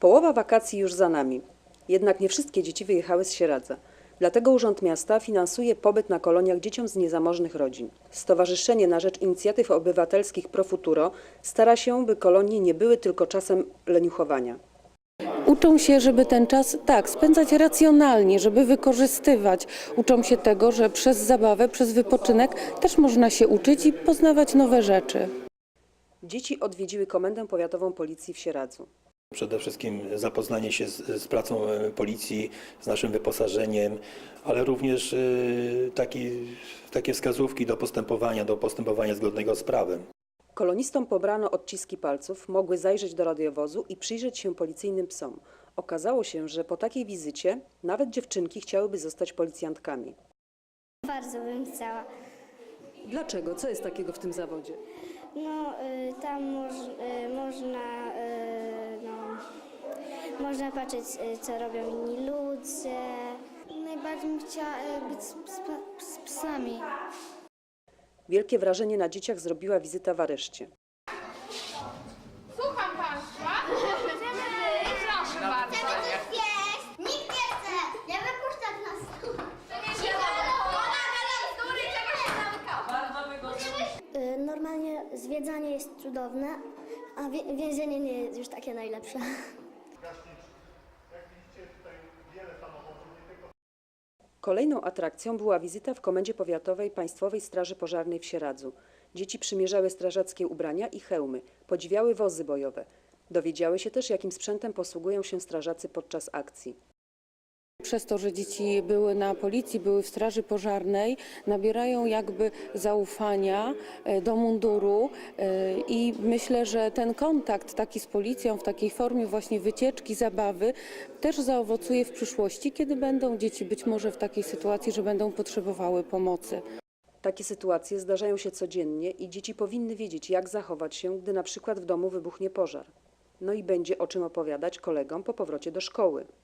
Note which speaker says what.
Speaker 1: Połowa wakacji już za nami. Jednak nie wszystkie dzieci wyjechały z Sieradza. Dlatego Urząd Miasta finansuje pobyt na koloniach dzieciom z niezamożnych rodzin. Stowarzyszenie na rzecz Inicjatyw Obywatelskich Pro Futuro stara się, by kolonie nie były tylko czasem leniuchowania.
Speaker 2: Uczą się, żeby ten czas spędzać racjonalnie, żeby wykorzystywać. Uczą się tego, że przez zabawę, przez wypoczynek też można się uczyć i poznawać nowe rzeczy.
Speaker 1: Dzieci odwiedziły Komendę Powiatową Policji w Sieradzu.
Speaker 3: Przede wszystkim zapoznanie się z pracą policji, z naszym wyposażeniem, ale również takie wskazówki do postępowania zgodnego z prawem.
Speaker 1: Kolonistom pobrano odciski palców, mogły zajrzeć do radiowozu i przyjrzeć się policyjnym psom. Okazało się, że po takiej wizycie nawet dziewczynki chciałyby zostać policjantkami.
Speaker 4: Bardzo bym chciała.
Speaker 1: Dlaczego? Co jest takiego w tym zawodzie?
Speaker 4: No, tam można patrzeć, co robią inni ludzie. Najbardziej bym chciała być z psami.
Speaker 1: Wielkie wrażenie na dzieciach zrobiła wizyta w areszcie.
Speaker 5: Słucham Państwa. Chcemy wyjść. Proszę bardzo.
Speaker 6: Nikt nie chce! Nie wypuszczać nas!
Speaker 4: Normalnie zwiedzanie jest cudowne, a więzienie nie jest już takie najlepsze.
Speaker 1: Kolejną atrakcją była wizyta w Komendzie Powiatowej Państwowej Straży Pożarnej w Sieradzu. Dzieci przymierzały strażackie ubrania i hełmy, podziwiały wozy bojowe. Dowiedziały się też, jakim sprzętem posługują się strażacy podczas akcji.
Speaker 2: Przez to, że dzieci były na policji, były w straży pożarnej, nabierają jakby zaufania do munduru i myślę, że ten kontakt taki z policją w takiej formie właśnie wycieczki, zabawy też zaowocuje w przyszłości, kiedy będą dzieci być może w takiej sytuacji, że będą potrzebowały pomocy.
Speaker 1: Takie sytuacje zdarzają się codziennie i dzieci powinny wiedzieć, jak zachować się, gdy na przykład w domu wybuchnie pożar. No i będzie o czym opowiadać kolegom po powrocie do szkoły.